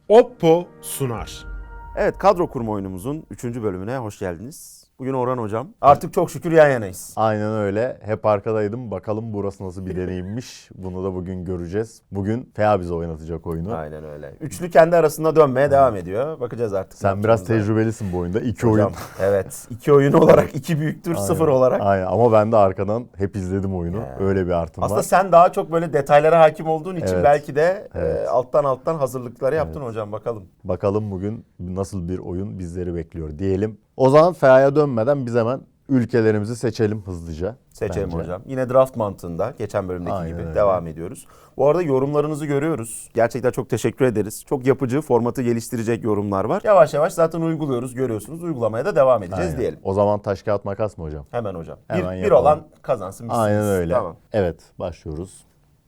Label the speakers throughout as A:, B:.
A: Oppo sunar.
B: Evet, kadro kurma oyunumuzun 3. bölümüne hoş geldiniz. Bugün Orhan Hocam. Artık çok şükür yan yanayız.
C: Aynen öyle. Hep arkadaydım. Bakalım burası nasıl bir deneyimmiş. Bunu da bugün göreceğiz. Bugün Fea bize oynatacak oyunu.
B: Aynen öyle. Üçlü kendi arasında dönmeye devam ediyor. Bakacağız artık.
C: Sen biraz tecrübelisin bu oyunda. İki
B: Hocam,
C: oyun.
B: evet. 2 oyun olarak 2 büyüktür, 0 olarak.
C: Aynen. Ama ben de arkadan hep izledim oyunu. Öyle bir artım
B: Aslında
C: var.
B: sen daha çok böyle detaylara hakim olduğun için
C: Evet.
B: belki de
C: Evet.
B: alttan hazırlıkları yaptın hocam, bakalım.
C: Bakalım bugün nasıl bir oyun bizleri bekliyor diyelim. O zaman Fea'ya dönmeden biz hemen ülkelerimizi seçelim hızlıca.
B: Seçelim
C: bence.
B: hocam. Yine draft mantığında geçen bölümdeki
C: Aynen
B: gibi
C: öyle.
B: devam ediyoruz. Bu arada yorumlarınızı görüyoruz. Gerçekten çok teşekkür ederiz. Çok yapıcı, formatı geliştirecek yorumlar var. Yavaş yavaş zaten uyguluyoruz, görüyorsunuz. Uygulamaya da devam edeceğiz
C: Aynen.
B: diyelim.
C: O zaman taş kağıt makas mı hocam?
B: Hemen hocam.
C: Hemen
B: bir
C: yapalım.
B: olan kazansın. Misiniz.
C: Aynen öyle.
B: Tamam.
C: Evet, başlıyoruz.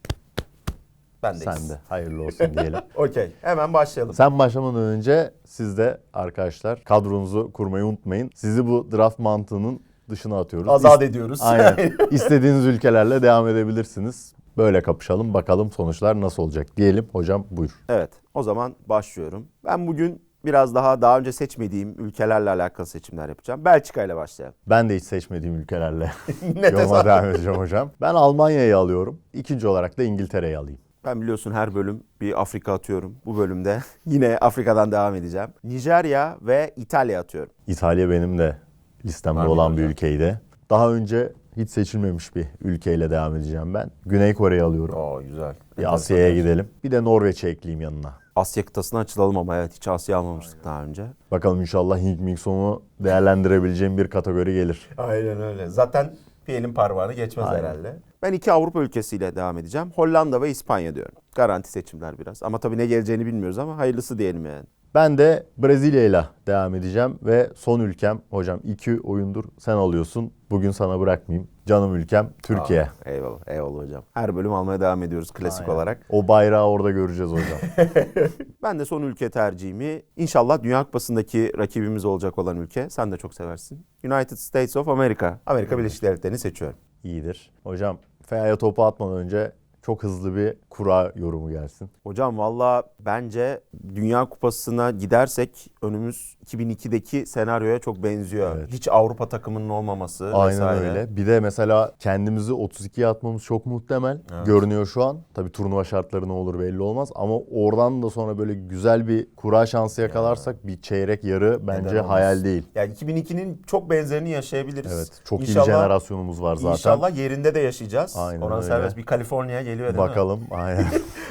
B: Bendeyiz.
C: Sen de hayırlı olsun diyelim.
B: Okey. Hemen başlayalım.
C: Sen başlamadan önce siz de arkadaşlar kadronuzu kurmayı unutmayın. Sizi bu draft mantığının dışına atıyoruz.
B: Azat ediyoruz.
C: Aynen. İstediğiniz ülkelerle devam edebilirsiniz. Böyle kapışalım, bakalım sonuçlar nasıl olacak diyelim. Hocam buyur.
B: Evet. O zaman başlıyorum. Ben bugün biraz daha önce seçmediğim ülkelerle alakalı seçimler yapacağım. Belçika ile başlayalım.
C: Ben de hiç seçmediğim ülkelerle
B: Ne
C: yoluma
B: tesadüf.
C: devam edeceğim hocam. Ben Almanya'yı alıyorum. İkinci olarak da İngiltere'yi alayım.
B: Ben biliyorsun her bölüm bir Afrika atıyorum. Bu bölümde yine Afrika'dan devam edeceğim. Nijerya ve İtalya atıyorum.
C: İtalya benim de listemde
B: Amin
C: olan bir
B: hocam.
C: ülkeydi. Daha önce hiç seçilmemiş bir ülkeyle devam edeceğim ben. Güney Kore'yi alıyorum.
B: Oo, güzel.
C: Bir Asya'ya gidelim. Bir de Norveç'i ekleyeyim yanına.
B: Asya kıtasına açılalım ama evet, hiç Asya almamıştık daha önce.
C: Bakalım inşallah Hink Mingson'u değerlendirebileceğim bir kategori gelir.
B: Aynen öyle. Zaten bir elin parmağını geçmez
C: Aynen.
B: herhalde. Ben 2 Avrupa ülkesiyle devam edeceğim. Hollanda ve İspanya diyorum. Garanti seçimler biraz. Ama tabii ne geleceğini bilmiyoruz ama hayırlısı diyelim yani.
C: Ben de Brezilya ile devam edeceğim ve son ülkem hocam 2 oyundur sen alıyorsun. Bugün sana bırakmayayım. Canım ülkem Türkiye.
B: Eyvallah, eyvallah hocam. Her bölüm almaya devam ediyoruz klasik
C: Aynen.
B: olarak.
C: O bayrağı orada göreceğiz hocam.
B: Ben de son ülke tercihimi inşallah Dünya Kupası'ndaki rakibimiz olacak olan ülke. Sen de çok seversin. United States of America. Amerika Birleşik Devletleri'ni seçiyorum.
C: İyidir. Hocam Fea'ya topu atmadan önce çok hızlı bir kura yorumu gelsin.
B: Hocam valla bence Dünya Kupası'na gidersek önümüz 2002'deki senaryoya çok benziyor.
C: Evet.
B: Hiç Avrupa takımının olmaması
C: Aynen
B: vesaire.
C: öyle. Bir de mesela kendimizi 32'ye atmamız çok muhtemel görünüyor şu an. Tabii turnuva şartları ne olur belli olmaz ama oradan da sonra böyle güzel bir kura şansı yakalarsak bir çeyrek yarı bence
B: olmaz?
C: hayal değil.
B: Yani 2002'nin çok benzerini yaşayabiliriz.
C: Evet. Çok iyi
B: İnşallah-
C: bir jenerasyonumuz var zaten.
B: İnşallah yerinde de yaşayacağız.
C: Aynen
B: Orhan
C: öyle.
B: Serbest bir Kaliforniya geliyor değil mi?
C: Bakalım. Aynen.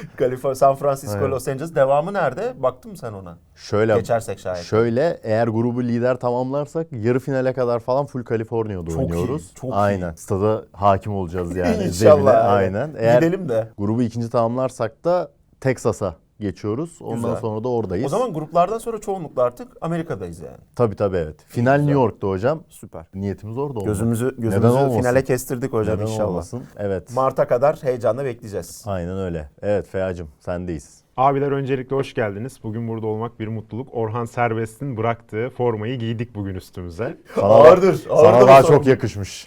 B: San Francisco,
C: Aynen.
B: Los Angeles. Devamı nerede? Baktın mı sen ona?
C: Şöyle
B: Geçersek şayet.
C: Şöyle eğer grubu lider tamamlarsak yarı finale kadar falan full Kaliforniya'da
B: Çok
C: oynuyoruz.
B: iyi, çok iyi.
C: Aynen. Stada hakim olacağız yani.
B: İnşallah.
C: zemine.
B: evet.
C: Aynen. Eğer
B: Gidelim de.
C: grubu ikinci tamamlarsak da Texas'a geçiyoruz. Ondan
B: Güzel.
C: sonra da oradayız.
B: O zaman gruplardan sonra çoğunlukla artık Amerika'dayız yani.
C: Tabii evet. Final New York'ta hocam.
B: Süper.
C: Niyetimiz orada olmak.
B: Gözümüzü
C: Neden olmasın?
B: finale kestirdik hocam
C: Neden
B: inşallah.
C: olmasın? Evet.
B: Mart'a kadar heyecanla bekleyeceğiz.
C: Aynen öyle. Evet Fea'cığım sendeyiz.
A: Abiler öncelikle hoş geldiniz. Bugün burada olmak bir mutluluk. Orhan Serbest'in bıraktığı formayı giydik bugün üstümüze.
B: Ağırdır.
C: Sana daha çok yakışmış.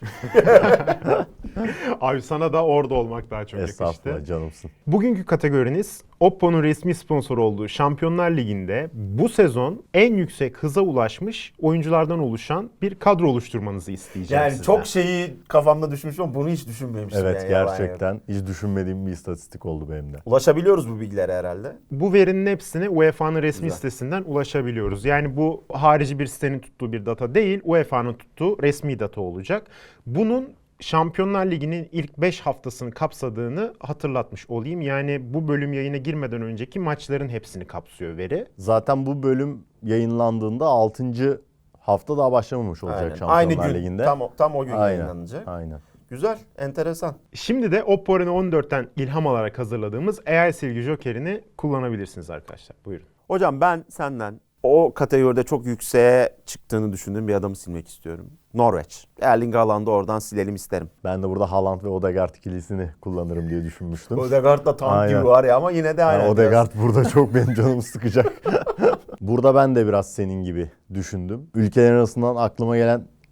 A: Abi sana da orada olmak daha çok yakıştı.
C: Estağfurullah canımsın.
A: Bugünkü kategoriniz Oppo'nun resmi sponsoru olduğu Şampiyonlar Ligi'nde bu sezon en yüksek hıza ulaşmış oyunculardan oluşan bir kadro oluşturmanızı isteyeceğim
B: Yani
A: sizden.
B: çok şeyi kafamda düşünmüş ama bunu hiç düşünmemiştim.
C: Evet
B: yani, yalan yok.
C: gerçekten hiç düşünmediğim bir istatistik oldu benim de.
B: Ulaşabiliyoruz bu bilgilere herhalde.
A: Bu verinin hepsine UEFA'nın resmi
B: Güzel.
A: sitesinden ulaşabiliyoruz. Yani bu harici bir sitenin tuttuğu bir data değil, UEFA'nın tuttuğu resmi data olacak. Bunun Şampiyonlar Ligi'nin ilk 5 haftasını kapsadığını hatırlatmış olayım. Yani bu bölüm yayına girmeden önceki maçların hepsini kapsıyor veri.
C: Zaten bu bölüm yayınlandığında 6. hafta daha başlamamış olacak
B: Aynen.
C: Şampiyonlar
B: Aynı gün.
C: Ligi'nde.
B: Tam o gün
C: Aynen.
B: yayınlanacak.
C: Aynen.
B: Güzel, enteresan.
A: Şimdi de Oppo Reno 14'ten ilham alarak hazırladığımız AI silgi jokerini kullanabilirsiniz arkadaşlar. Buyurun.
B: Hocam ben senden o kategoride çok yükseğe çıktığını düşündüğüm bir adamı silmek istiyorum. Norveç. Erling Haaland'ı oradan silelim isterim.
C: Ben de burada Haaland ve Odegaard ikilisini kullanırım diye düşünmüştüm.
B: Odegaard da tank
C: Aynen.
B: gibi var ya ama yine de
C: Yani
B: aynen.
C: Odegaard burada çok benim canımı sıkacak. Burada ben de biraz senin gibi düşündüm. Ülkelerin arasından aklıma gelen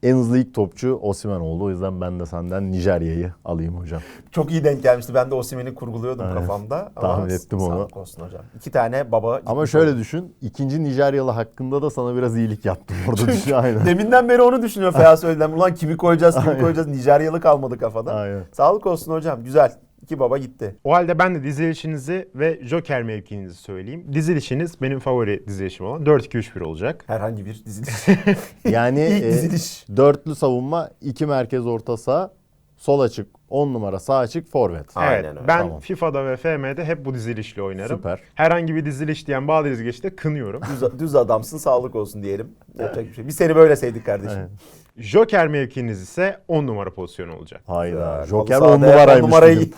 C: en hızlı ilk topçu Osimhen oldu. O yüzden ben de senden Nijerya'yı alayım hocam.
B: Çok iyi denk gelmişti. Ben de Osimhen'i kurguluyordum
C: Aynen.
B: kafamda.
C: Tahmin ettim onu.
B: Sağlık olsun hocam. 2 tane baba.
C: Ama
B: gitmiş
C: şöyle
B: oldu.
C: düşün. İkinci Nijeryalı hakkında da sana biraz iyilik yaptım orada düşün. Aynen.
B: Deminden beri onu düşünüyor Feyyaz söyleden. Ulan kimi koyacağız, Nijeryalı kalmadı kafada.
C: Aynen.
B: Sağlık olsun hocam. Güzel. 2 baba gitti.
A: O halde ben de dizilişinizi ve Joker mevkinizi söyleyeyim. Dizilişiniz benim favori dizilişim olan 4-2-3-1 olacak.
B: Herhangi bir diziliş.
C: Yani
B: İlk diziliş.
C: dörtlü savunma, 2 merkez orta saha, sol açık, 10 numara sağ açık, forvet.
B: Aynen
A: Evet,
B: öyle.
A: ben
C: Tamam.
A: FIFA'da ve FM'de hep bu dizilişle oynarım.
C: Süper.
A: Herhangi bir diziliş diyen bazı dizilişte kınıyorum.
B: Düz adamsın, sağlık olsun diyelim. Yapacak bir şey. Biz seni böyle sevdik kardeşim.
C: Evet.
A: Joker mevkiniz ise 10 numara pozisyonu olacak.
C: Hayda.
B: Güzel.
C: Joker
B: Halı
C: 10
B: sahada
C: numaraymış.
B: on numarayı-
C: bugün.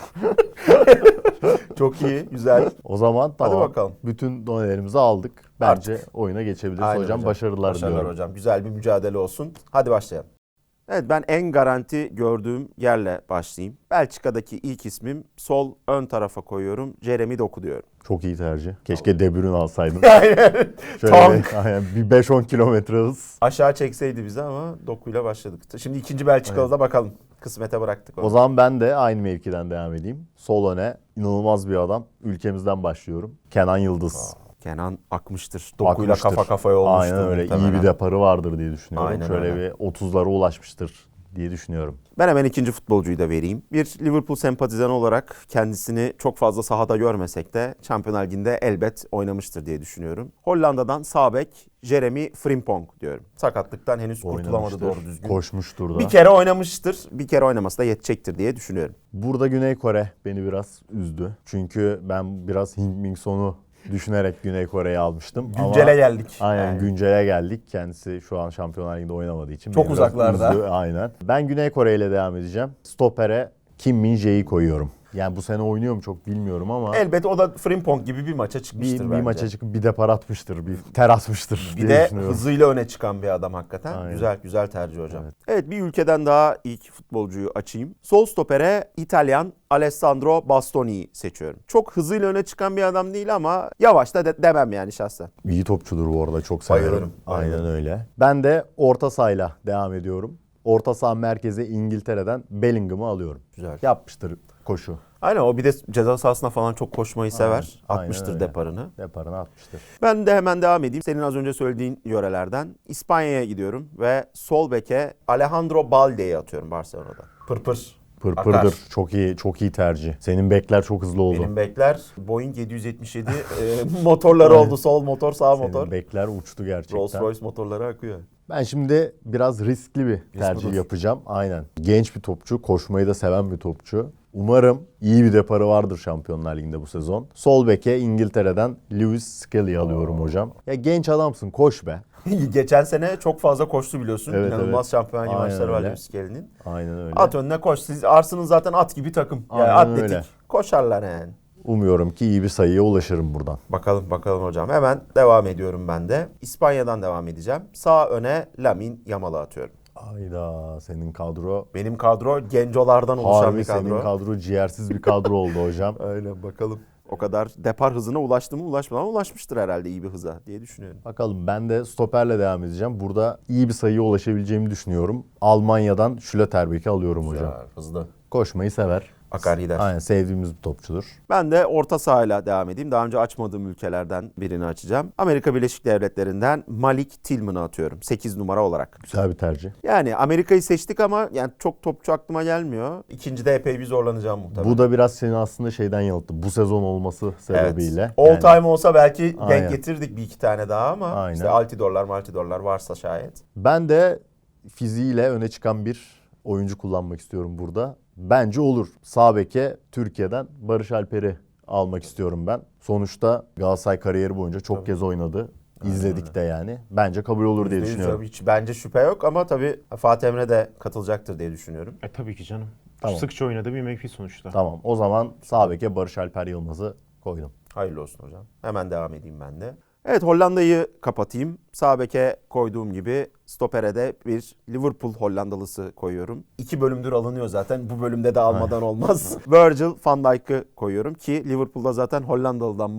B: Çok iyi, güzel.
C: O zaman tamam.
B: bakalım.
C: Bütün donelerimizi aldık. Bence oyuna geçebiliriz.
B: Aynen
C: Hocam başarılar diliyorum.
B: hocam. Güzel bir mücadele olsun. Hadi başlayalım. Evet, ben en garanti gördüğüm yerle başlayayım. Belçika'daki ilk ismim sol ön tarafa koyuyorum. Jeremy Doku diyorum.
C: Çok iyi tercih. Keşke De Bruyne alsaydın.
B: Aynen.
C: Şöyle
B: Tank.
C: aynen, bir 5-10 kilometre hız.
B: Aşağı çekseydi bizi ama Doku'yla başladık. Şimdi ikinci Belçikalı'da bakalım. Kısmete bıraktık onu.
C: O zaman ben de aynı mevkiden devam edeyim. Sol öne inanılmaz bir adam. Ülkemizden başlıyorum. Kenan Yıldız.
B: Kenan akmıştır. Doku'yla
C: Akmıştır.
B: kafa kafaya olmuştur.
C: Aynen öyle.
B: muhtemelen.
C: İyi bir deparı vardır diye düşünüyorum.
B: Aynen
C: Şöyle
B: öyle.
C: bir 30'lara ulaşmıştır diye düşünüyorum.
B: Ben hemen ikinci futbolcuyu da vereyim. Bir Liverpool sempatizanı olarak kendisini çok fazla sahada görmesek de Şampiyonlar Ligi'nde elbet oynamıştır diye düşünüyorum. Hollanda'dan sağ bek Jeremy Frimpong diyorum. Sakatlıktan henüz kurtulamadı
C: Oynamıştır,
B: doğru düzgün.
C: koşmuştur da.
B: Bir kere oynamıştır. Bir kere oynaması da yetecektir diye düşünüyorum.
C: Burada Güney Kore beni biraz üzdü. Çünkü ben biraz Heung-min Son'u düşünerek Güney Kore'yi almıştım.
B: Güncele geldik.
C: Aynen
B: Yani.
C: güncele geldik. Kendisi şu an Şampiyonlar Ligi'nde oynamadığı için.
B: Çok
C: beni biraz
B: uzaklarda.
C: üzdü. Aynen. Ben Güney Kore ile devam edeceğim. Stopere Kim Min-jae'yi koyuyorum. Yani bu sene oynuyor mu çok bilmiyorum ama
B: Elbet o da Frimpong gibi bir maça çıkmıştır
C: bir
B: bence.
C: maça çıkıp bir depar atmıştır, bir ter atmıştır
B: Bir
C: diye
B: de
C: düşünüyorum.
B: hızıyla öne çıkan bir adam hakikaten.
C: Aynen.
B: Güzel tercih hocam.
C: Evet.
B: Evet, bir ülkeden daha ilk futbolcuyu açayım. Sol stopere İtalyan Alessandro Bastoni'yi seçiyorum. Çok hızıyla öne çıkan bir adam değil ama yavaş da demem yani şahsen.
C: İyi topçudur bu arada, çok severim.
B: Bayılırım, bayılırım.
C: Aynen öyle. Ben de orta sahayla devam ediyorum. Orta saha merkeze İngiltere'den Bellingham'ı alıyorum.
B: Güzel.
C: Yapmıştır koşu.
B: Aynen, o bir de ceza sahasına falan çok koşmayı sever.
C: Aynen
B: Atmıştır
C: öyle.
B: deparını.
C: Deparını atmıştır.
B: Ben de hemen devam edeyim. Senin az önce söylediğin yörelerden İspanya'ya gidiyorum ve sol beke Alejandro Balde'yi atıyorum Barcelona'da. Pırpır.
C: Pırpırdır.
B: Akar.
C: Çok iyi tercih. Senin bekler çok hızlı oldu.
B: Benim bekler Boeing 777 motorları oldu. Sol motor, sağ
C: Senin
B: motor.
C: bekler uçtu gerçekten.
B: Rolls Royce motorları akıyor.
C: Ben şimdi biraz riskli bir tercih
B: budur.
C: yapacağım. Aynen. Genç bir topçu, koşmayı da seven bir topçu. Umarım iyi bir deparı vardır Şampiyonlar Ligi'nde bu sezon. Sol beke İngiltere'den Lewis Skelly'yi alıyorum hocam. Ya genç adamsın, koş be.
B: Geçen sene çok fazla koştu biliyorsun.
C: Evet,
B: İnanılmaz
C: evet.
B: Şampiyonlar Ligi
C: Aynen
B: maçları var
C: öyle.
B: Lewis Skelly'nin.
C: Aynen öyle.
B: At önüne koş. Siz Arsenal zaten at gibi takım. Yani
C: Aynen
B: atletik.
C: öyle.
B: Koşarlar yani.
C: Umuyorum ki iyi bir sayıya ulaşırım buradan.
B: Bakalım hocam. Hemen devam ediyorum ben de. İspanya'dan devam edeceğim. Sağ öne Lamine Yamal'ı atıyorum.
C: Ayda senin kadro
B: Benim kadro gencolardan oluşan
C: harbi
B: bir kadro.
C: senin kadro ciğersiz bir kadro oldu hocam.
B: Aynen, bakalım. O kadar depar hızına ulaştı mı ulaşmadı ama ulaşmıştır herhalde iyi bir hıza diye düşünüyorum.
C: Bakalım, ben de stoperle devam edeceğim. Burada iyi bir sayıya ulaşabileceğimi düşünüyorum. Almanya'dan Schlotterbeck'i alıyorum hocam.
B: Güzel, hızlı.
C: Koşmayı sever.
B: Akar gider.
C: Aynen, sevdiğimiz bir topçudur.
B: Ben de orta sahayla devam edeyim. Daha önce açmadığım ülkelerden birini açacağım. Amerika Birleşik Devletleri'nden Malik Tillman'ı atıyorum 8 numara olarak.
C: Güzel bir tercih.
B: Yani Amerika'yı seçtik ama yani çok topçu aklıma gelmiyor. İkincide epey bir zorlanacağım muhtemelen.
C: Bu da biraz seni aslında şeyden yanılttı. Bu sezon olması sebebiyle.
B: All
C: Yani
B: time olsa belki
C: Aynen.
B: denk getirdik bir iki tane daha ama
C: Aynen.
B: işte Altidorlar varsa şayet.
C: Ben de fiziğiyle öne çıkan bir oyuncu kullanmak istiyorum burada. Bence olur. Sağ beke Türkiye'den Barış Alper'i almak istiyorum ben. Sonuçta Galatasaray kariyeri boyunca çok kez oynadı. İzledik de yani. Bence kabul olur diye
B: %100
C: düşünüyorum.
B: Hiç bence şüphe yok ama tabii Fatih Emre de katılacaktır diye düşünüyorum.
A: Tabii ki canım.
C: Tamam.
A: Sıkça oynadığı bir mevki sonuçta.
C: Tamam, o zaman sağ beke Barış Alper Yılmaz'ı koydum.
B: Hayırlı olsun hocam. Hemen devam edeyim ben de. Evet, Hollanda'yı kapatayım. Sağ beke koyduğum gibi stopere de bir Liverpool Hollandalısı koyuyorum. 2 bölümdür alınıyor zaten. Bu bölümde de almadan olmaz. Virgil van Dijk'ı koyuyorum ki Liverpool'da zaten Hollandalı'dan bol,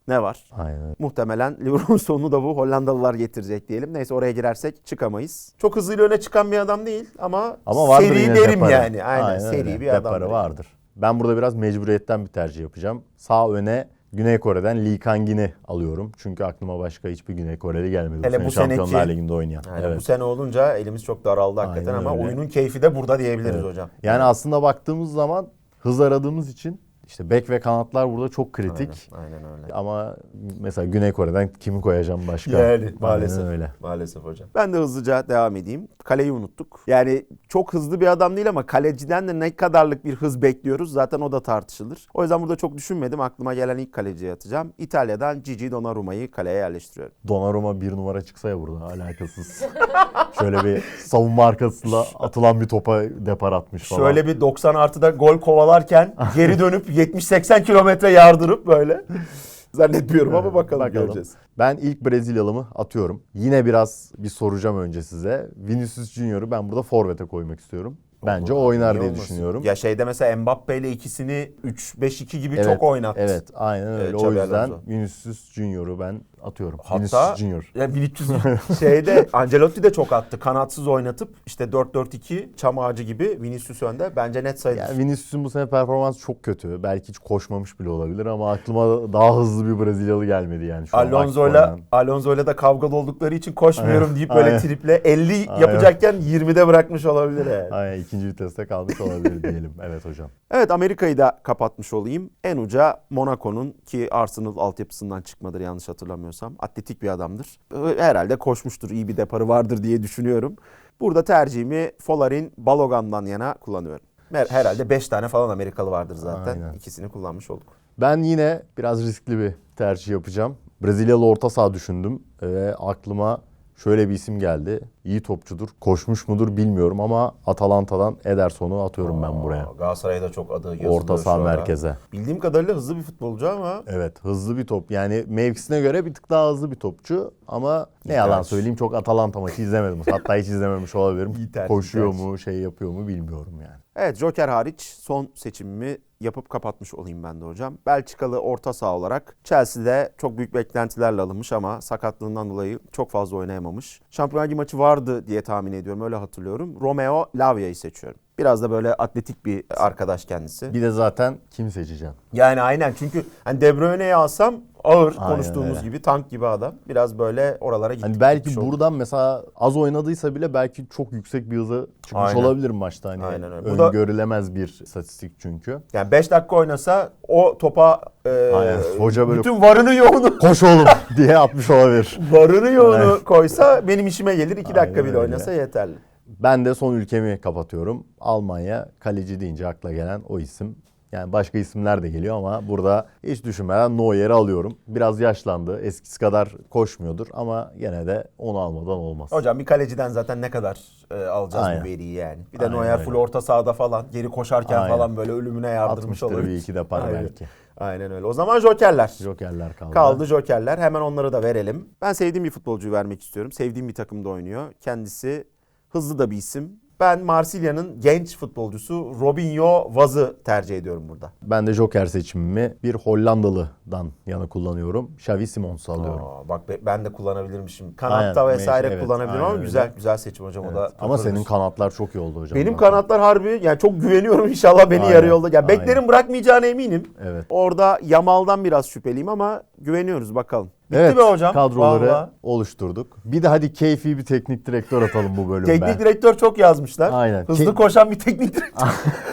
B: ne var?
C: Aynen.
B: Muhtemelen Liverpool sonunu da bu Hollandalılar getirecek diyelim. Neyse oraya girersek çıkamayız. Çok hızıyla öne çıkan bir adam değil ama
C: vardır
B: seri
C: yine
B: derim
C: deparı.
B: yani. Aynen seri
C: öyle.
B: bir adam.
C: Deparı vardır. Ben burada biraz mecburiyetten bir tercih yapacağım. Sağ öne Güney Kore'den Lee Kang-in'i alıyorum. Çünkü aklıma başka hiçbir Güney Koreli gelmedi.
B: Hele bu
C: Şampiyonlar
B: seneki-
C: Ligi'nde oynayan.
B: Yani
C: Evet.
B: bu sene olunca elimiz çok daraldı hakikaten
C: Aynen
B: ama
C: öyle.
B: oyunun keyfi de burada diyebiliriz
C: Evet.
B: hocam.
C: Yani aslında baktığımız zaman hız aradığımız için işte bek ve kanatlar burada çok kritik.
B: Aynen öyle.
C: Ama mesela Güney Kore'den kimi koyacağım başka?
B: Yani
C: Aynen
B: maalesef.
C: öyle.
B: Maalesef hocam. Ben de hızlıca devam edeyim. Kaleyi unuttuk. Yani çok hızlı bir adam değil ama kaleciden de ne kadarlık bir hız bekliyoruz zaten o da tartışılır. O yüzden burada çok düşünmedim. Aklıma gelen ilk kaleciye atacağım. İtalya'dan Gigi Donnarumma'yı kaleye yerleştiriyorum.
C: Donnarumma bir numara çıksa ya burada alakasız. Şöyle bir savunma arkasıyla atılan bir topa depar atmış falan.
B: Şöyle bir 90 artıda gol kovalarken geri dönüp 70-80 kilometre yardırıp böyle. Zannetmiyorum ama bakalım göreceğiz.
C: Ben ilk Brezilyalımı atıyorum. Yine biraz bir soracağım önce size. Vinicius Junior'u ben burada forvete koymak istiyorum. Bence o oynar
B: Niye
C: diye
B: olmasın?
C: düşünüyorum.
B: Ya şeyde mesela Mbappe ile ikisini 3-5-2 gibi
C: Evet,
B: çok oynattı.
C: Evet, aynen öyle. O
B: Xabi
C: yüzden
B: Alonso.
C: Vinicius Junior'u ben atıyorum.
B: Hatta
C: Vinicius Junior.
B: ya 1300 şeyde Ancelotti de çok attı. Kanatsız oynatıp işte 4-4-2 çam ağacı gibi Vinicius önde. Bence net sayılır.
C: Yani Vinicius'un bu sene performansı çok kötü. Belki hiç koşmamış bile olabilir ama aklıma daha hızlı bir Brezilyalı gelmedi yani şu an.
B: Alonso'yla da kavgalı oldukları için koşmuyorum deyip böyle
C: Aynen.
B: triple 50
C: Aynen.
B: yapacakken 20'de bırakmış olabilir yani.
C: Aynen, ikinci viteste kalmış olabilir diyelim. Evet hocam.
B: Evet Amerika'yı da kapatmış olayım. En uca Monaco'nun ki Arsenal altyapısından çıkmadır yanlış hatırlamıyorsam. Atletik bir adamdır. Herhalde koşmuştur, iyi bir deparı vardır diye düşünüyorum. Burada tercihimi Folarin Balogan'dan yana kullanıyorum. Herhalde 5 tane falan Amerikalı vardır zaten.
C: Aynen.
B: İkisini kullanmış olduk.
C: Ben yine biraz riskli bir tercih yapacağım. Brezilyalı orta saha düşündüm ve aklıma şöyle bir isim geldi. İyi topçudur. Koşmuş mudur bilmiyorum ama Atalanta'dan Ederson'u atıyorum ben buraya.
B: Galatasaray'da çok adı yazılıyor
C: Orta saha
B: şu ara.
C: merkeze.
B: Bildiğim kadarıyla hızlı bir futbolcu ama
C: Evet, hızlı bir top. Yani mevkisine göre bir tık daha hızlı bir topçu ama ne
B: İyi
C: yalan
B: tercih.
C: söyleyeyim çok Atalanta maçı izlemedim. Hatta hiç izlememiş olabilirim.
B: İyi tercih,
C: Koşuyor
B: tercih.
C: mu, şey yapıyor mu bilmiyorum yani.
B: evet Joker hariç son seçimimi yapıp kapatmış olayım ben de hocam. Belçikalı orta saha olarak Chelsea'de çok büyük beklentilerle alınmış ama sakatlığından dolayı çok fazla oynayamamış. Şampiyonlar Ligi maçı vardı diye tahmin ediyorum, öyle hatırlıyorum. Romeo Lavia'yı seçiyorum. Biraz da böyle atletik bir arkadaş kendisi.
C: Bir de zaten kimi seçeceğim?
B: Yani aynen çünkü hani De Bruyne'yi alsam ağır
C: Aynen
B: konuştuğumuz
C: öyle.
B: gibi tank gibi adam. Biraz böyle oralara gittik.
C: Hani belki
B: gitmiş olduk.
C: buradan mesela az oynadıysa bile belki çok yüksek bir hıza çıkmış
B: Aynen.
C: olabilir maçta. Hani
B: Aynen öyle. Bu da-
C: öngörülemez bir istatistik çünkü.
B: Yani 5 dakika oynasa o topa
C: Aynen. Hoca böyle
B: bütün varını yoğunu
C: koş oğlum diye atmış olabilir.
B: varını yoğunu
C: Aynen.
B: koysa benim işime gelir. 2 dakika
C: Aynen
B: bile
C: öyle.
B: oynasa yeterli.
C: Ben de son ülkemi kapatıyorum. Almanya, kaleci deyince akla gelen o isim. Yani başka isimler de geliyor ama burada hiç düşünmeden Neuer'i alıyorum. Biraz yaşlandı. Eskisi kadar koşmuyordur ama gene de onu almadan olmaz.
B: Hocam bir kaleciden zaten ne kadar alacağız
C: Aynen.
B: bu veriyi yani. Bir de
C: Aynen
B: Neuer
C: öyle.
B: full orta sahada falan geri koşarken
C: Aynen.
B: falan böyle ölümüne yardırmış
C: Atmıştır
B: olabilir.
C: bir iki depar
B: Aynen.
C: belki.
B: Aynen öyle. O zaman jokerler.
C: Jokerler kaldı.
B: Kaldı jokerler. Hemen onları da verelim. Ben sevdiğim bir futbolcuyu vermek istiyorum. Sevdiğim bir takımda oynuyor. Kendisi hızlı da bir isim. Ben Marsilya'nın genç futbolcusu Robinho Vaz'ı tercih ediyorum burada.
C: Ben de Joker seçimimi bir Hollandalı'dan yana kullanıyorum. Xavi Simons'u alıyorum.
B: Bak ben de kullanabilirmişim. Kanatta
C: Aynen,
B: vesaire
C: evet,
B: kullanabilirim
C: aynen
B: ama
C: öyle.
B: güzel seçim hocam o
C: Evet.
B: da.
C: Ama
B: kurtarır.
C: senin kanatlar çok iyi oldu hocam.
B: Benim
C: Zaten.
B: kanatlar harbi yani çok güveniyorum, inşallah beni
C: Aynen,
B: yarı yolda. Yani
C: aynen.
B: beklerin bırakmayacağına eminim.
C: Evet.
B: Orada Yamal'dan biraz şüpheliyim ama güveniyoruz bakalım. Bitti
C: Evet,
B: be hocam.
C: kadroları
B: Vallahi.
C: oluşturduk. Bir de hadi keyfi bir teknik direktör atalım bu bölümde.
B: Teknik direktör çok yazmışlar.
C: Aynen.
B: Hızlı koşan bir teknik direktör.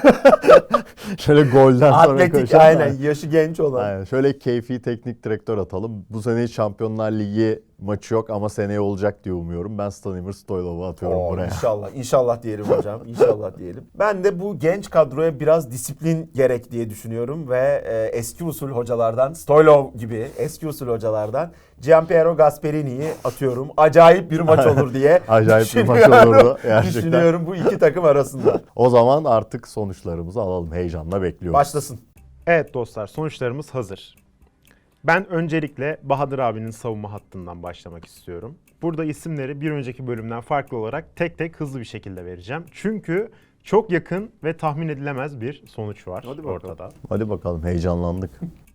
C: Şöyle golden sonra
B: Atletik
C: koşan.
B: aynen, yaşı genç olan.
C: Aynen. Şöyle keyfi teknik direktör atalım. Bu sene Şampiyonlar Ligi maçı yok ama seneye olacak diye umuyorum. Ben Stanimir Stoylov'u atıyorum buraya.
B: İnşallah diyelim hocam. İnşallah diyelim. Ben de bu genç kadroya biraz disiplin gerek diye düşünüyorum ve eski usul hocalardan, Stoylov gibi eski usul hocalardan Gianpiero Gasperini'yi atıyorum. Acayip bir maç olur diye
C: Acayip bir maç
B: düşünüyorum.
C: olurdu gerçekten.
B: Düşünüyorum bu iki takım arasında.
C: O zaman artık sonuçlarımızı alalım. Heyecanla bekliyoruz.
B: Başlasın.
A: Evet dostlar, sonuçlarımız hazır. Ben öncelikle Bahadır abinin savunma hattından başlamak istiyorum. Burada isimleri bir önceki bölümden farklı olarak tek tek hızlı bir şekilde vereceğim. Çünkü çok yakın ve tahmin edilemez bir sonuç var
B: Hadi bakalım.
A: ortada.
C: Hadi bakalım, heyecanlandık.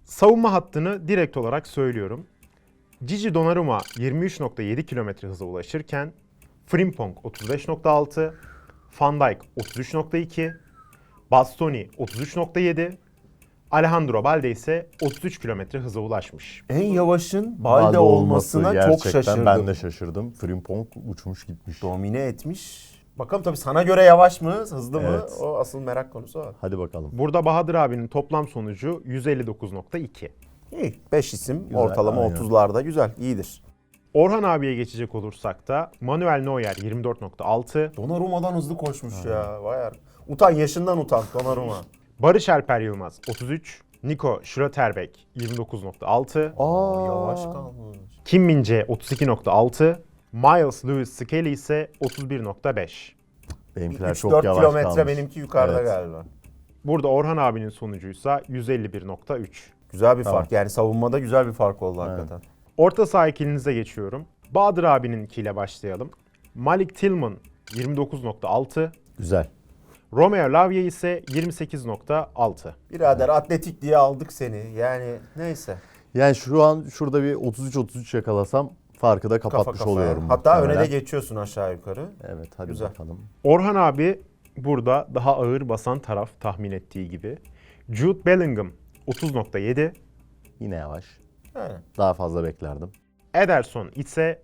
A: Savunma hattını direkt olarak söylüyorum. Gigi Donnarumma 23.7 km hıza ulaşırken Frimpong 35.6, Van Dijk 33.2, Bastoni 33.7, Alejandro Balde ise 33 km hıza ulaşmış.
B: En yavaşın Balde olmasına çok
C: gerçekten
B: şaşırdım.
C: ben de şaşırdım. Frimpong uçmuş gitmiş.
B: Domine etmiş. Bakalım tabii sana göre yavaş mı, hızlı mı?
C: Evet.
B: O asıl merak konusu o.
C: Hadi bakalım.
A: Burada Bahadır abinin toplam sonucu 159.2.
B: İyi. 5 isim
C: Güzel,
B: ortalama
C: aynen.
B: 30'larda güzel, iyidir.
A: Orhan abiye geçecek olursak da Manuel Neuer 24.6,
B: Donnarumma'dan hızlı koşmuş ya. Vay ar- Utan, yaşından utan Donnarumma.
A: Barış Alper Yılmaz 33, Nico Schlotterbeck 29.6,
B: Yavaş kalmış.
A: Kim Min-jae 32.6, Miles Lewis Skelly ise 31.5.
C: Benimkiler
B: 3-4
C: çok yavaş
B: kilometre
C: kalmış.
B: benimki yukarıda
C: Evet.
B: galiba.
A: Burada Orhan abinin sonucuysa 151.3.
B: Güzel bir
C: Tamam.
B: fark. Yani savunmada güzel bir fark oldu hakikaten.
A: Orta saha ikilinize geçiyorum. Bahadır abininkiyle başlayalım. Malik Tillman 29.6,
C: Güzel.
A: Romeo Lavia ise 28.6.
B: Birader atletik diye aldık seni. Yani neyse.
C: Yani şu an şurada bir 33-33 yakalasam farkı da
B: Kafa
C: kapatmış
B: kafaya.
C: oluyorum.
B: Hatta öne
C: muhtemelen.
B: de geçiyorsun aşağı yukarı.
C: Evet hadi
B: Güzel.
C: bakalım.
A: Orhan abi burada daha ağır basan taraf tahmin ettiği gibi. Jude Bellingham 30.7,
C: Yine yavaş.
B: Yani.
C: Daha fazla beklerdim.
A: Ederson ise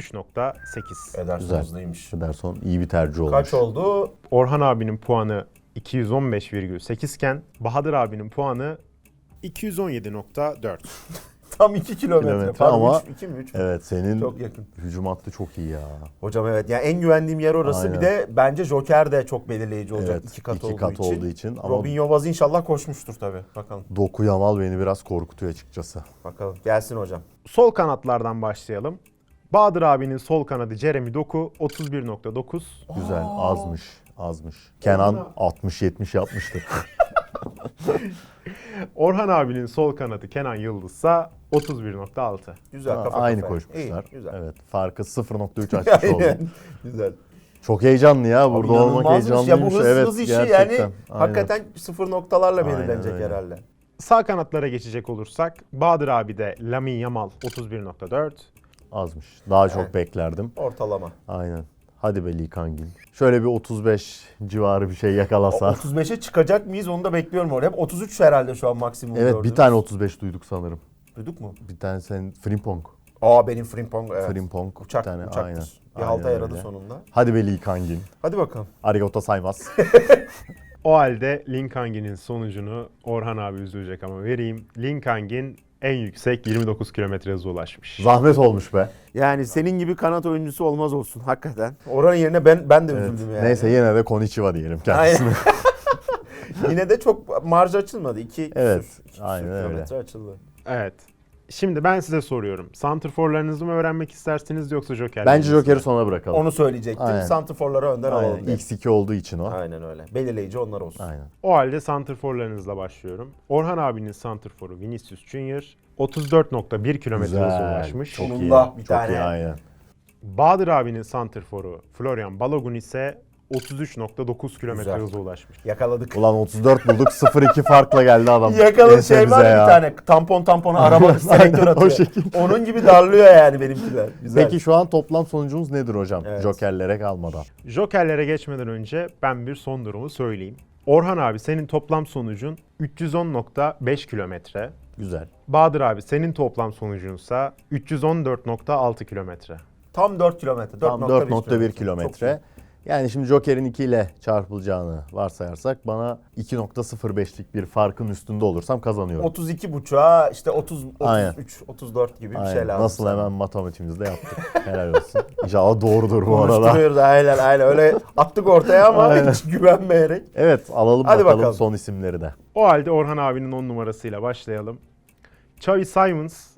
A: 33.8.
B: Ederson
C: Güzel.
B: hızlıymış.
C: Ederson iyi bir tercih olmuş.
B: Kaç oldu?
A: Orhan abinin puanı 215,8 iken Bahadır abinin puanı 217.4.
B: Tam 2 kilometre.
C: Kilometre
B: Pardon,
C: ama-
B: 2 mi 3 mü?
C: Evet senin
B: Çok yakın.
C: hücum hattı çok iyi ya.
B: Hocam evet. Yani en güvendiğim yer orası.
C: Aynen.
B: Bir de bence Joker de çok belirleyici olacak.
C: Evet,
B: 2 kat,
C: iki
B: olduğu,
C: kat
B: için.
C: olduğu için ama-
B: Robinho Vaz inşallah koşmuştur tabii. Bakalım.
C: Doku Yamal beni biraz korkutuyor açıkçası.
B: Bakalım. Gelsin hocam.
A: Sol kanatlardan başlayalım. Bahadır abinin sol kanadı Jeremy Doku 31.9.
C: Güzel, azmış. Kenan 60-70 yapmıştır.
A: Orhan abinin sol kanadı Kenan Yıldız ise 31.6.
B: Güzel
C: Ha,
B: kafa
C: aynı
B: kafaya.
C: koşmuşlar.
B: İyi, güzel.
C: Evet, farkı 0.3 açmış oldu.
B: Aynen. Güzel.
C: Çok heyecanlı ya. Burada olmak
B: İnanılmazmış.
C: heyecanlıymış.
B: Ya bu hız,
C: evet,
B: hız işi
C: gerçekten.
B: yani
C: Aynen.
B: hakikaten sıfır noktalarla
C: Aynen
B: belirlenecek
C: öyle.
B: herhalde.
A: Sağ kanatlara geçecek olursak Bahadır abi de Lamine Yamal 31.4.
C: Azmış. Daha çok
B: Evet.
C: beklerdim.
B: Ortalama.
C: Aynen. Hadi be Lee Kangin. Şöyle bir 35 civarı bir şey yakalasa.
B: 35'e çıkacak mıyız onu da bekliyorum orada. Hep 33 herhalde şu an maksimum
C: Evet,
B: gördüğümüz.
C: bir tane 35 duyduk sanırım.
B: Duyduk mu?
C: Bir tane senin Frimpong.
B: Benim Frimpong evet.
C: Frimpong.
B: Uçak,
C: bir tane.
B: uçaktır.
C: Aynen.
B: Bir halta
C: Aynen
B: yaradı
C: öyle.
B: sonunda.
C: Hadi be Lee Kangin.
B: Hadi bakalım.
C: Arigato saymaz.
A: O halde Linkangin sonucunu Orhan abi üzülecek ama vereyim. Linkangin en yüksek 29 km hıza ulaşmış.
C: Zahmet olmuş be.
B: Yani senin gibi kanat oyuncusu olmaz olsun hakikaten. Oranın yerine ben de
C: Evet.
B: üzüldüm yani.
C: Neyse yine de Konnichiwa diyelim kendisine.
B: Yine de çok marj açılmadı.
C: Evet,
B: İki
C: aynen öyle.
B: kilometre açıldı.
A: Evet. Şimdi ben size soruyorum. Santrforlarınızı mı öğrenmek istersiniz yoksa Joker'lerinizi
C: Bence
A: mi?
C: Joker'i sona bırakalım.
B: Onu söyleyecektim.
C: Aynen.
B: Santrforları önden
C: Aynen.
B: alalım. dedim.
C: X2 olduğu için o.
B: Aynen öyle. Belirleyici onlar olsun.
C: Aynen.
A: O halde santrforlarınızla başlıyorum. Orhan abinin santrforu Vinicius Junior 34.1 km hıza ulaşmış.
C: Çok iyi.
B: Sonunda bir
C: Çok
B: tane.
C: iyi aynen.
A: Bahadır abinin santrforu Florian Balogun ise 33.9 km
B: Güzel.
A: hıza ulaşmış.
B: Yakaladık.
C: Ulan 34 bulduk 0-2 farkla geldi adam.
B: Yakaladık
C: Neyse
B: şey
C: bize
B: var ya
C: ya.
B: bir tane tampona araba selektör
C: Aynen, o
B: atıyor.
C: şekilde.
B: Onun gibi darlıyor yani benimkiler. Güzel.
C: Peki şu an toplam sonucumuz nedir hocam?
B: Evet.
C: Jokerlere kalmadan.
A: Jokerlere geçmeden önce ben bir son durumu söyleyeyim. Orhan abi senin toplam sonucun 310.5 kilometre.
C: Güzel.
A: Bahadır abi senin toplam sonucunsa 314.6 kilometre.
B: Tam 4 kilometre.
C: Tam 4.1 kilometre. Yani şimdi Joker'in 2 ile çarpılacağını varsayarsak bana 2.05'lik bir farkın üstünde olursam kazanıyorum.
B: 32 buçuğa işte 30,
C: Aynen.
B: 33, 34 gibi bir
C: Aynen.
B: şey lazım.
C: Nasıl
B: sana.
C: hemen matematiğimizde yaptık. Helal olsun. İnşallah doğrudur bu arada.
B: Konuşturuyoruz aynen öyle attık ortaya ama
C: Aynen.
B: hiç güvenmeyerek.
C: Evet alalım
B: Hadi
C: bakalım
B: bakalım.
C: son isimleri de.
A: O halde Orhan abinin 10 numarasıyla başlayalım. Xavi Simons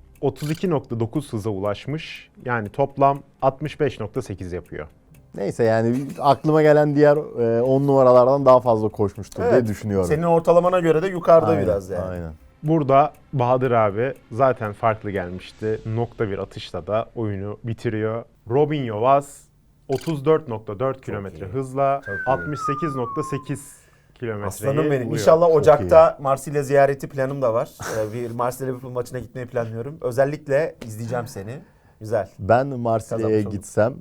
A: 32.9 hıza ulaşmış. Yani toplam 65.8 yapıyor.
C: Neyse yani aklıma gelen diğer 10 numaralardan daha fazla koşmuştur diye
B: Evet.
C: düşünüyorum.
B: Senin ortalamana göre de yukarıda
C: Aynen,
B: biraz yani.
C: Aynen.
A: Burada Bahadır abi zaten farklı gelmişti. Nokta bir atışla da oyunu bitiriyor. Robinho Vaz 34.4 kilometre
B: iyi.
A: hızla
B: Çok iyi.
A: 68.8 kilometreyi
B: Aslanım benim.
A: buluyor.
B: İnşallah
C: Çok
B: Ocak'ta Marsilya ziyareti planım da var. Bir Marsilya Liverpool maçına gitmeyi planlıyorum. Özellikle izleyeceğim seni. Güzel.
C: Ben Marsilya'ya
B: Kazanmış olduk.
C: gitsem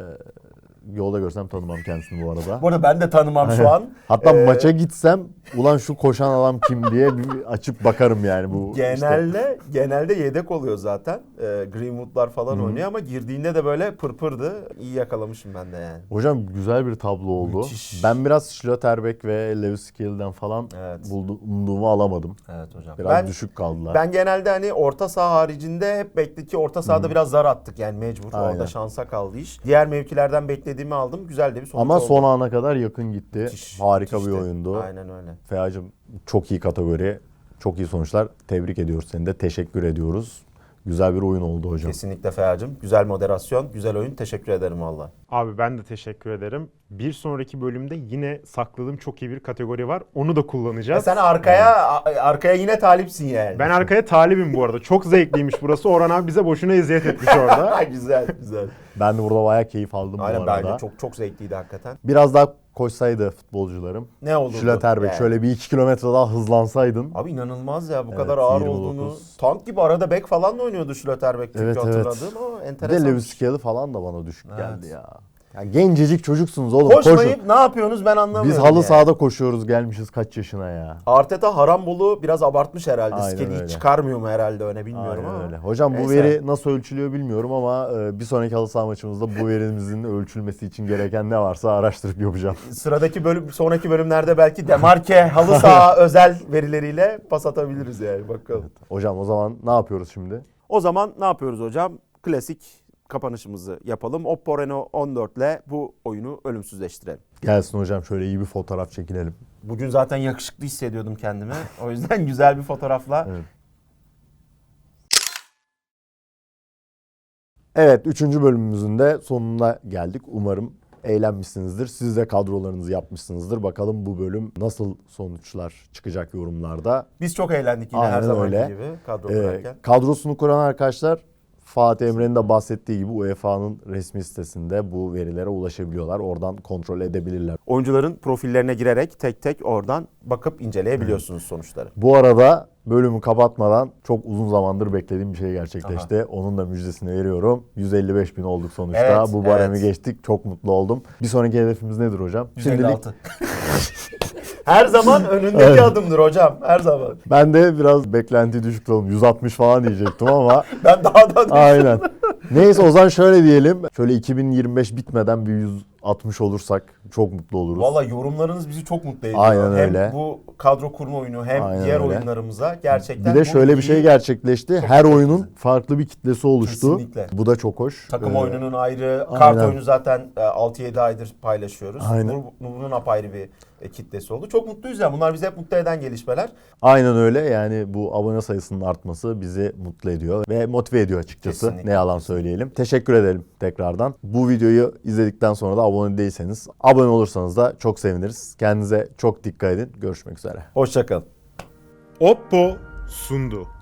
C: yolda görsem tanımam kendisini bu arada.
B: Bu arada ben de tanımam şu an.
C: Hatta maça gitsem ulan şu koşan adam kim diye bir açıp bakarım yani bu işte.
B: Genelde yedek oluyor zaten. Greenwood'lar falan oynuyor ama girdiğinde de böyle pırpırdı. İyi yakalamışım ben de yani.
C: Hocam güzel bir tablo oldu.
B: Müthiş.
C: Ben biraz Schlotterbeck ve Lewis Skelly'den falan
B: Evet.
C: umduğumu alamadım.
B: Evet hocam.
C: Biraz düşük kaldılar.
B: Ben genelde hani orta saha haricinde hep bekledik ki orta sahada biraz zar attık yani mecbur.
C: Aynen.
B: Orada şansa kaldı iş. Diğer mevkilerden beklediğimi aldım. Güzel de bir sonuç
C: Ama
B: oldu.
C: son ana kadar yakın gitti.
B: Müthiş,
C: Harika bir
B: müthişti.
C: oyundu.
B: Aynen öyle.
C: Feacığım çok iyi kategori, çok iyi sonuçlar. Tebrik ediyoruz seni de. Teşekkür ediyoruz. Güzel bir oyun oldu hocam.
B: Kesinlikle Feacığım. Güzel moderasyon, güzel oyun. Teşekkür ederim valla.
A: Abi ben de teşekkür ederim. Bir sonraki bölümde yine sakladığım çok iyi bir kategori var. Onu da kullanacağız.
B: Sen arkaya yine talipsin yani.
A: Ben arkaya talibim bu arada. Çok zevkliymiş burası. Orhan abi bize boşuna eziyet etmiş orada.
B: Güzel.
C: Ben de burada bayağı keyif aldım
B: Aynen
C: bu arada.
B: bence çok zevkliydi hakikaten.
C: Biraz daha koşsaydı futbolcularım.
B: Ne olurdu?
C: Schlotterbeck
B: Yani.
C: şöyle bir 2 kilometre daha hızlansaydın.
B: Abi inanılmaz ya bu
C: Evet,
B: kadar ağır
C: 29.
B: olduğunu. Tank gibi arada bek falan da oynuyordu Schlotterbeck çünkü
C: Evet, evet.
B: hatırladığım ama
C: Bir de
B: enteresan.
C: Lewis Skelly falan da bana düşük
B: Evet.
C: geldi ya. Ya gencecik çocuksunuz oğlum. Koşun.
B: Koşmayıp ne yapıyorsunuz ben anlamıyorum.
C: Biz halı
B: yani.
C: sahada koşuyoruz gelmişiz kaç yaşına ya.
B: Arteta Harambolu biraz abartmış herhalde.
C: Aynen
B: Skelly'yi
C: öyle.
B: çıkarmıyor mu herhalde öne bilmiyorum
C: Aynen
B: ama.
C: öyle. Hocam bu
B: Neyse.
C: veri nasıl ölçülüyor bilmiyorum ama bir sonraki halı saha maçımızda bu verimizin ölçülmesi için gereken ne varsa araştırıp yapacağım.
B: Sonraki bölümlerde belki Demarke halı saha özel verileriyle pas atabiliriz yani bakalım.
C: Hocam o zaman ne yapıyoruz şimdi?
B: O zaman ne yapıyoruz hocam? Klasik kapanışımızı yapalım. Oppo Reno 14 ile bu oyunu ölümsüzleştirelim.
C: Gelsin hocam şöyle iyi bir fotoğraf çekinelim.
B: Bugün zaten yakışıklı hissediyordum kendimi. O yüzden güzel bir fotoğrafla.
C: Evet 3. bölümümüzün de sonuna geldik. Umarım eğlenmişsinizdir. Siz de kadrolarınızı yapmışsınızdır. Bakalım bu bölüm nasıl sonuçlar çıkacak yorumlarda.
B: Biz çok eğlendik yine her
C: Aynen
B: zamanki
C: öyle.
B: gibi kadro kurarken.
C: Kadrosunu kuran arkadaşlar Fatih Emre'nin de bahsettiği gibi UEFA'nın resmi sitesinde bu verilere ulaşabiliyorlar. Oradan kontrol edebilirler.
B: Oyuncuların profillerine girerek tek tek oradan bakıp inceleyebiliyorsunuz sonuçları.
C: Bu arada bölümü kapatmadan çok uzun zamandır beklediğim bir şey gerçekleşti. Onun da müjdesini veriyorum. 155.000 olduk sonuçta.
B: Evet,
C: Bu baremi
B: evet.
C: geçtik. Çok mutlu oldum. Bir sonraki hedefimiz nedir hocam?
B: 156. Her zaman önündeki adımdır hocam. Her zaman.
C: Ben de biraz beklenti düşük tutalım. 160 falan diyecektim ama
B: Ben daha da
C: aynen. Neyse o zaman şöyle diyelim. Şöyle 2025 bitmeden bir 160 olursak çok mutlu oluruz.
B: Valla yorumlarınız bizi çok mutlu ediyor.
C: Aynen
B: hem
C: öyle.
B: bu kadro kurma oyunu hem
C: Aynen
B: diğer
C: öyle.
B: oyunlarımıza gerçekten
C: Bir de
B: bu
C: şöyle bir şey
B: iyi
C: gerçekleşti. Her oyunun farklı bir kitlesi oluştu.
B: Kesinlikle.
C: Bu da çok hoş.
B: takım oyununun ayrı, kart
C: aynen.
B: oyunu zaten 6-7 aydır paylaşıyoruz.
C: Aynen.
B: Bunun apayrı bir kitlesi oldu. Çok mutluyuz ya. Bunlar bizi hep mutlu eden gelişmeler.
C: Aynen öyle. Yani bu abone sayısının artması bizi mutlu ediyor ve motive ediyor açıkçası.
B: Kesinlikle.
C: Ne yalan söyleyelim. Teşekkür edelim tekrardan. Bu videoyu izledikten sonra da abone değilseniz abone olursanız da çok seviniriz. Kendinize çok dikkat edin. Görüşmek üzere.
B: Hoşçakalın.
A: Oppo sundu.